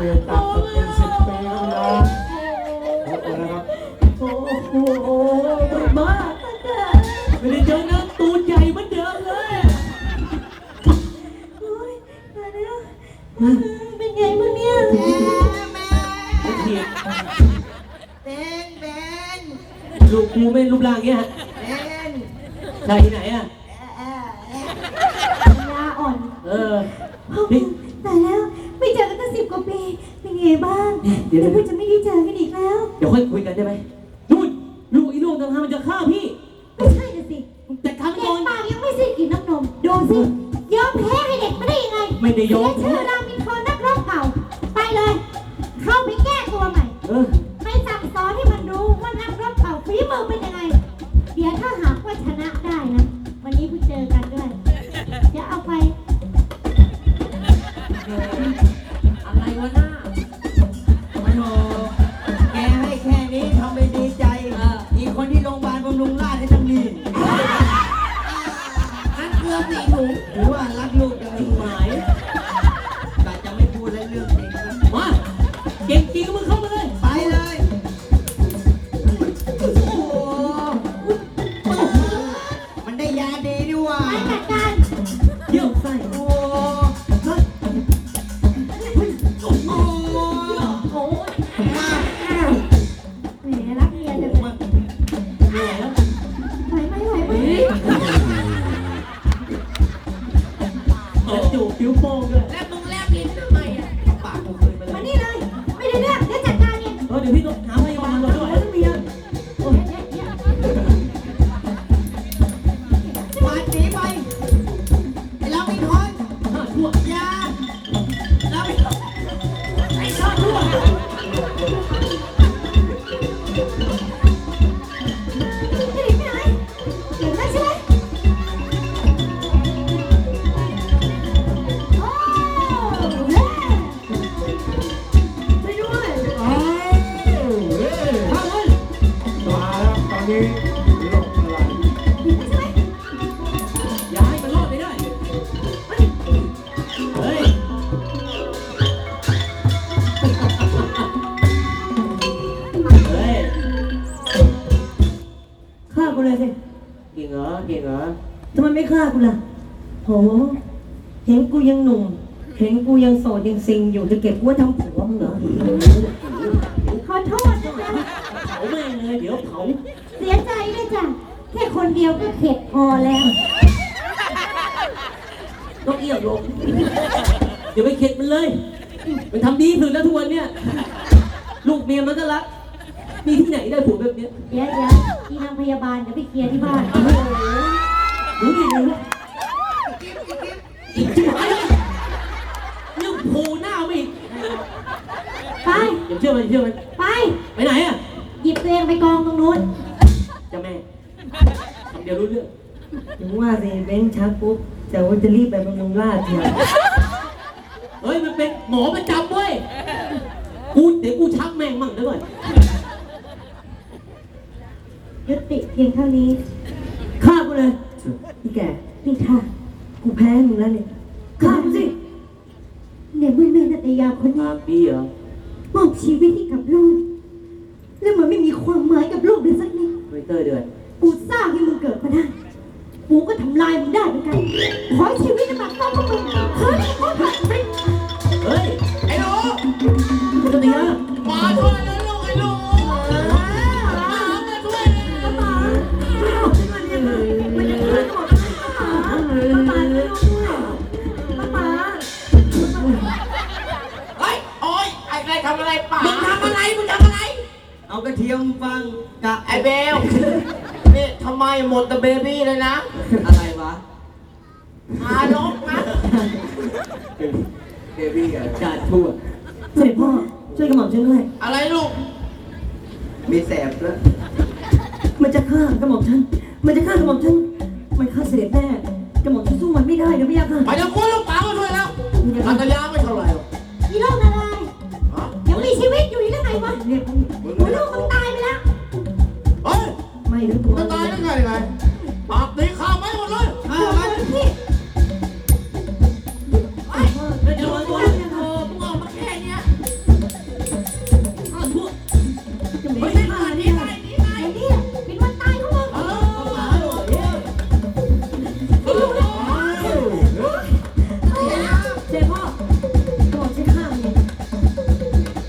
เรียนต่างกันเป็น10 ปีแล้วนะแล้วนะครับโอ้โหบ้าไม่ได้เจอนะตูนใหญ่เหมือนเดิมเลยโอ้ยมาแล้วเป็นไงมึงเนี่ยเถียงลูกกูไม่รูปร่างเงี้ยใช่ที่ไหนอ่ะยาอ่อนนี่แต่แล้วไม่เจอกันตั้ง10 กว่าปีเป็นไงบ้างเดี๋ยวพี่จะไม่ได้เจอกันอีกแล้วเดี๋ยวค่อยคุยกันได้ไหมนู่นลูกอีลูกต่างหากมันจะฆ่าพี่ไม่ใช่นะสิแต่ครั้งก่อนปากยังไม่สิ้นกินน้ำนมดูสิยอมแพ้ให้เด็กไม่ได้ยังไงไม่ได้ยอมชื่อรามินทรนักรบเก่าไปเลยเข้าไปแก้ตัวใหม่ไม่สั่งสอนให้มันรู้ว่านักรบเก่าฝีมือเป็นยังไงเดี๋ยวถ้าหากว่าชนะได้นะวันนี้เพิ่งเจอกันด้วยเดี๋ยวเอาไปอะไรวะหน้าโอ้โหแกให้แค่นี้ทำไปดีใจอีกคนที่โรงพยาบาลบำรุงราษฎร์ให้ตั้งดีนั่นเกลือสีถุงหรือว่ารักลูกจะมีหมายแต่จะไม่พูดเรื่องจริงนะมาเก่งจริงก็มึงเข้ามาเลยไปเลยโอ้โหมันได้ยาดีด้วยว่ะไปจัดการเยี่ยมไส้โอ้แหมรักเมียจังเลยไหวไหมจูบผิวโป้งด้วยแล้วมึงแลบลิ้นทำไมอ่ะปากกูเคยไปมานี่เลยไม่ได้เรื่องเดี๋ยวจัดการเองเดี๋ยวพี่ต้องหาพยาบาลก่อนด้วยเมียมาหนีไปเราไม่ทนชั่วยาเราไม่ทนไอ้ชาชั่วจะหนีไปไหนเก่งนักใช่ไหมโอ้เฮ้ไปด้วยอ้าวข้าเลยมาแล้วตอนนี้โลกอะไรหนีไปใช่ไหมอย่าให้มันรอดไปได้เฮ้ยฆ่ากูเลยสิเก่งเหรอเก่งเหรอทำไมไม่ฆ่ากูล่ะโหเห็นกูยังหนุ่มเห็นกูยังโสดยังซิงอยู่จะเก็บกูไว้ทำผัวมึงเหรอขอโทษนะจ๊ะเผาแม่งเลยเดี๋ยวเผาเสียใจด้วยจ้ะแค่คนเดียวก็เข็ดพอแล้วต้องเอี้ยวลงอย่าไปเข็ดมันเลยมันทำดีถึงแล้วทุกวันเนี่ยลูกเมียมันก็รักมีที่ไหนได้ผัวแบบเนี้ยเดี๋ยวที่นางพยาบาลเดี๋ยวไปเคลียร์ที่บ้านรู้ดีเลยอีกจิ๋วอะไรเรื่องโผล่หน้าไม่อีกไปอย่าเชื่อมันไปไปไหนอ่ะหยิบตัวเองไปกองตรงนู้นเจ้าแม่คำเดียวรู้เรื่องถึงว่าสิเบ้งชักปุ๊บแต่ว่าจะรีบไปบำรุงราษฎร์เถอะเฮ้ยมันเป็นหมอประจำเว้ยเดี๋ยวกูชักแม่งมั่งเดี๋ยวก่อนยุติเพียงเท่านี้ฆ่ากูเลยพี่แกนี่ค่ะกูแพ้มึงแล้วเนี่ยฆ่ากูสิเดี๋ยวเมื่อแม่นัตยาคนนี้มาปีเหรอมอบชีวิตให้กับลูกแล้วมันไม่มีความหมายกับลูกเลยสักนิดไม่เตอร์เดือดกูสร้างให้มึงเกิดมาได้กูก็ทำลายมึงได้เหมือนกันขอให้ชีวิตมันต้องกับมึงเฮ้ยขอผ่านไปเฮ้ยไอ้หนูคุณตยามาช่วยนะลูกไอ้หนูมาช่วยนะมาเฮ้ยโอ๊ยไอ้ใครทำอะไรป่ามึงทำอะไรเอากระเทียมฟังกับไอ้เบลนี่ทำไมหมดแต่เบบี้เลยนะอะไรวะทารกนะเบบี้อะกาดทั่วเสด็จพ่อช่วยกระหม่อมฉันด้วยอะไรลูกมีแสบด้วยมันจะฆ่ากระหม่อมฉันมันจะฆ่ากระหม่อมฉันมันฆ่าเสด็จแน่กระหม่อมฉันสู้มันไม่ได้เดี๋ยวไม่ยากค่ะไปเดี๋ยวกูลูกป๋ามาช่วยแล้วนันทยาไม่เท่าไหร่หรอกอีโรคอะไรยังมีชีวิตอยู่อีกได้ไงวะเรียกมึง